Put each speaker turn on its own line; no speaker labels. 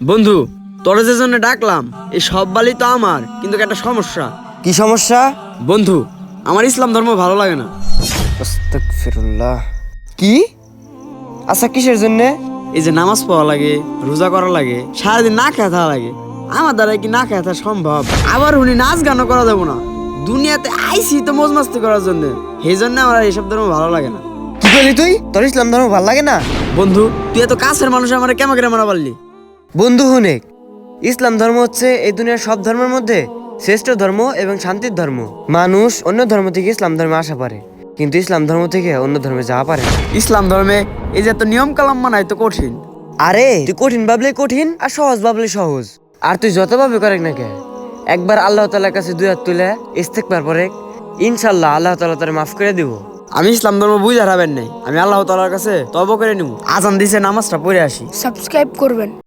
বন্ধু, তোর যে জন্য ডাকলাম, এই সব বালি তো আমার, কিন্তু একটা সমস্যা।
কি সমস্যা?
বন্ধু, আমার ইসলাম ধর্ম ভালো লাগে না।
আস্তাগফিরুল্লাহ। কি? আচ্ছা, কিসের জন্য?
এই যে নামাজ পড়া লাগে, রোজা করা লাগে, সারাদিন না খেয়ে থাকা লাগে। আমার দ্বারা কি না খেয়ে থাকা সম্ভব? আবার উনি নাচ গানও করা দেবো না। দুনিয়াতে আইসি তো মজ মাস্তি করার জন্য। সেই জন্য আমার আর এইসব ধর্ম ভালো লাগে না।
কি করলি তুই? তোর ইসলাম ধর্ম ভাল লাগে না?
বন্ধু, তুই এত কাছের মানুষ, আমার কেমন করে মারা পারলি?
বন্ধু হুনেক, ইসলাম ধর্ম হচ্ছে এই দুনিয়ার সব ধর্মের মধ্যে শ্রেষ্ঠ ধর্ম এবং শান্তির ধর্ম। মানুষ অন্য ধর্ম থেকে ইসলাম ধর্মে আসা পারে, কিন্তু ইসলাম ধর্ম থেকে অন্য ধর্মে যাওয়া পারে না।
ইসলাম ধর্মে এই যে এত নিয়ম কালাম মানায় তো কঠিন।
আরে তুই কঠিন ভাবলে কঠিন, আর সহজ ভাবলে সহজ। আর তুই যত ভাবে করে না কে, একবার আল্লাহ তাআলার কাছে দুই হাত তুলে ইস্তেগফার পরে, ইনশাআল্লাহ আল্লাহ তাআলা তোরে মাফ করে দিব।
আমি ইসলাম ধর্ম বুঝে হারাবেন নাই। আমি আল্লাহ তাআলার কাছে তওবা করে নিব। আজান দিছে, নামাজটা পড়ে আসি।
সাবস্ক্রাইব করবেন।